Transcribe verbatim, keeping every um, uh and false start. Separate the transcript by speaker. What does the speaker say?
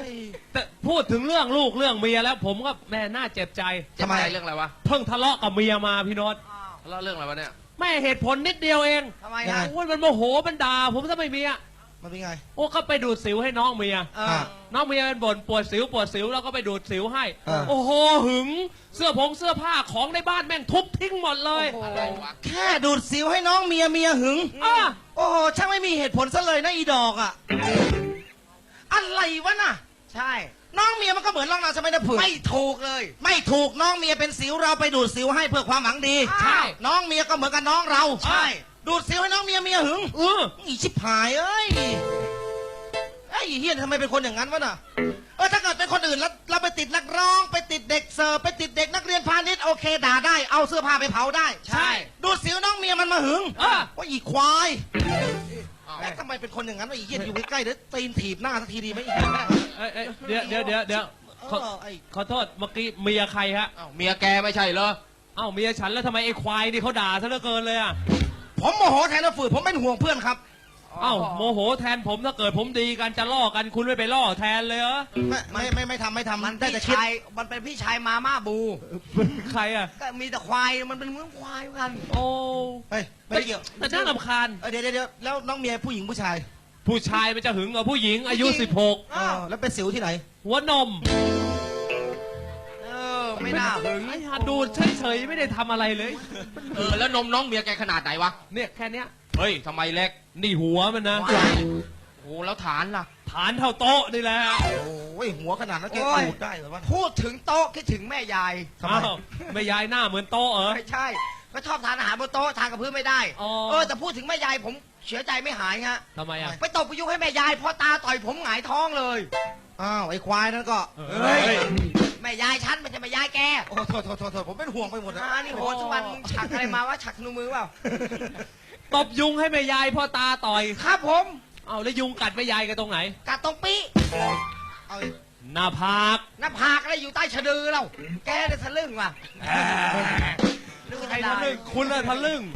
Speaker 1: แต่พูดถึงเรื่องลูกเรื่องเมียแล้ว ผมก็แม่น่าเจ็บใจ
Speaker 2: ทำไมเรื่องอะไรวะ
Speaker 1: เพิ่งทะเลาะกับเมียมาพี่โนต
Speaker 2: ทะเลาะเรื่องอะไรวะเนี่ย
Speaker 1: แม่เหตุผลนิดเดียวเอง
Speaker 3: ทำไม
Speaker 4: ยัง
Speaker 3: ฮะ
Speaker 4: ไง
Speaker 1: โอ้ยมันโมโหมันด่าผมซะไม่มีอ่ะ
Speaker 4: มันเป็นไง
Speaker 1: โอ้ก็ไปดูดสิวให้น้องเมีย
Speaker 3: เออ
Speaker 1: น้องเมียเป็นบ่นปวดสิวปวดสิวแล้วก็ไปดูดสิวให้
Speaker 4: เออ
Speaker 1: โอ้โหหึงเสื้อผงเสื้อผ้าของในบ้านแม่งทุบทิ้งหมดเลย
Speaker 2: อะไรวะ
Speaker 4: แค่ดูดสิวให้น้องเมียเมียหึง
Speaker 1: อ่ะ
Speaker 4: โอ้โหช่างไม่มีเหตุผลซะเลยนะอีดอกอ่ะ อะไรวะน่ะ
Speaker 3: ใช่
Speaker 4: น้องเมียมันก็เหมือนน้องเราใช่ไหมนะเผื่อ
Speaker 3: ไม่ถูกเลย
Speaker 4: ไม่ถูกน้องเมียเป็นสิวเราไปดูดสิวให้เพื่อความหวังดี
Speaker 3: ใช่
Speaker 4: น้องเมียก็เหมือนกับน้องเรา
Speaker 3: ใช่
Speaker 4: ดูดสิวให้น้องเมียเมียหึง
Speaker 1: เออ
Speaker 4: อีชิบหายเอ้ยไอ้เฮียทำไมเป็นคนอย่างนั้นวะน่ะเออถ้าเกิดเป็นคนอื่นแล้วเราไปติดนักร้องไปติดเด็กเสิร์ฟไปติดเด็กนักเรียนพาณิชย์โอเคด่าได้เอาเสื้อผ้าไปเผาได้
Speaker 3: ใช่
Speaker 4: ดูดสิวน้องเมียมันมาหึง
Speaker 1: อ่ะ
Speaker 4: ว่าอีควาย
Speaker 2: อ้าว
Speaker 4: แล้วทำไมเป็นคนอย่างนั้นวะอีเหี้ยอยู่ใกล้ๆเดี๋ยวตีนถีบหน้าสักทีดีไหมอีเหี้ย
Speaker 1: เอ้ยเอ้ยเดี๋ยวเดี๋ยวเดี๋ยวเดี๋ยวขอ
Speaker 4: เออไอ้
Speaker 1: ขอโทษเมื่อกี้เมียใครฮะ
Speaker 2: อ้าวเมียแกไม่ใช่เหรอ
Speaker 1: เอ้าเมียฉันแล้วทำไมไอ้ควายนี่เขาด่าซะเหลือเกินเลยอ่ะ
Speaker 4: ผมโมโหแทนนะฝืนผมเป็นห่วงเพื่อนครับ
Speaker 1: เอ้าโมโหแทนผมถ้าเกิดผมดีกันจะล่อกันคุณไม่ไปล่อแทนเลยเหรอ
Speaker 4: ไม่ไม่ไม่ไม่ทำไม่ทำ
Speaker 3: มัน
Speaker 4: ได้
Speaker 3: พี่
Speaker 4: แต่คิด
Speaker 3: ชายมันเป็นพี่ชายมาม่าบู
Speaker 1: ใครอ่ะ
Speaker 3: ก็มีแต่ควายมันเป็นเหมือนควายกัน
Speaker 1: โอ้
Speaker 4: เฮ้ยไม่เกี่ยว
Speaker 1: แต่น่ารำคาญ
Speaker 4: เออเดี๋ยวเดี๋ยวเดี๋ยวแล้วน้องเมียผู้หญิงผู้ชาย
Speaker 1: ผู้ชายมันจะหึงกับผู้หญิงอายุ
Speaker 4: ผู้หญิง
Speaker 1: สิบหก
Speaker 4: เออแล้วเป็นสิวที่ไหน
Speaker 1: หัวนม
Speaker 3: เออไม่น่าหึง
Speaker 1: ไอ้หาดูเฉยๆไม่ได้ทำอะไรเลย
Speaker 2: เออแล้วนมน้องเมียแกขนาดไหนวะ
Speaker 1: เนี่ยแค่เนี้ย
Speaker 2: เฮ้ยทำไมเล็ก
Speaker 1: นี่หัวมันนะ
Speaker 2: โอ้แล้วฐานล่ะ
Speaker 1: ฐานเท่าโต๊ะนี่แหละ
Speaker 4: โอ้ยหัวขนาดนั้นแก
Speaker 3: โอ้ย
Speaker 4: ดูดได้เหรอวะ
Speaker 3: พูดถึงโต๊ะคิดถึงแม่ยาย
Speaker 4: ทำไม
Speaker 1: อ้าวไม่ยายหน้าเหมือนโต๊ะเหรอ
Speaker 3: ไม่ใช่ ก็ชอบทานอาหารบนโต๊ะทานกับพื้นไม่ได้
Speaker 1: อ๋อ
Speaker 3: เออแต่พูดถึงแม่ยายผมเสียใจไม่หายฮะ
Speaker 1: ทำไมอ่ะ
Speaker 3: ไปตบประยุกต์ให้แม่ยายพอตาต่อยผมหงายท้องเลย
Speaker 4: อ้าวไอ้ควายนั่นก็
Speaker 1: เฮ้ย
Speaker 3: แม่ยายฉันมันจะแม่ยายแก
Speaker 4: โอ้โทษโทษโทษโทษผมเป็นห่วงไปหมดนะ
Speaker 3: อ่านี่โหทุกวันมึงฉักอะไรมาว่าฉักนูมือเปล่า
Speaker 1: ตบยุงให้แม่ยายพ่อตาต่อย
Speaker 3: ครับผม
Speaker 1: เอาแล้วยุงกัดแม่ยายกันตรงไหน
Speaker 3: กัดตรงปี
Speaker 4: เอาอีก
Speaker 1: หน้าผาก
Speaker 3: หน้าผากอะไรอยู่ใต้ชะดือเรา แกเนี่ยทะลึ่งว่ะนึกว่า
Speaker 1: ใคร
Speaker 3: จะ
Speaker 1: ทะ
Speaker 3: ได้
Speaker 1: ลึ่งคุณอะทะลึ่ง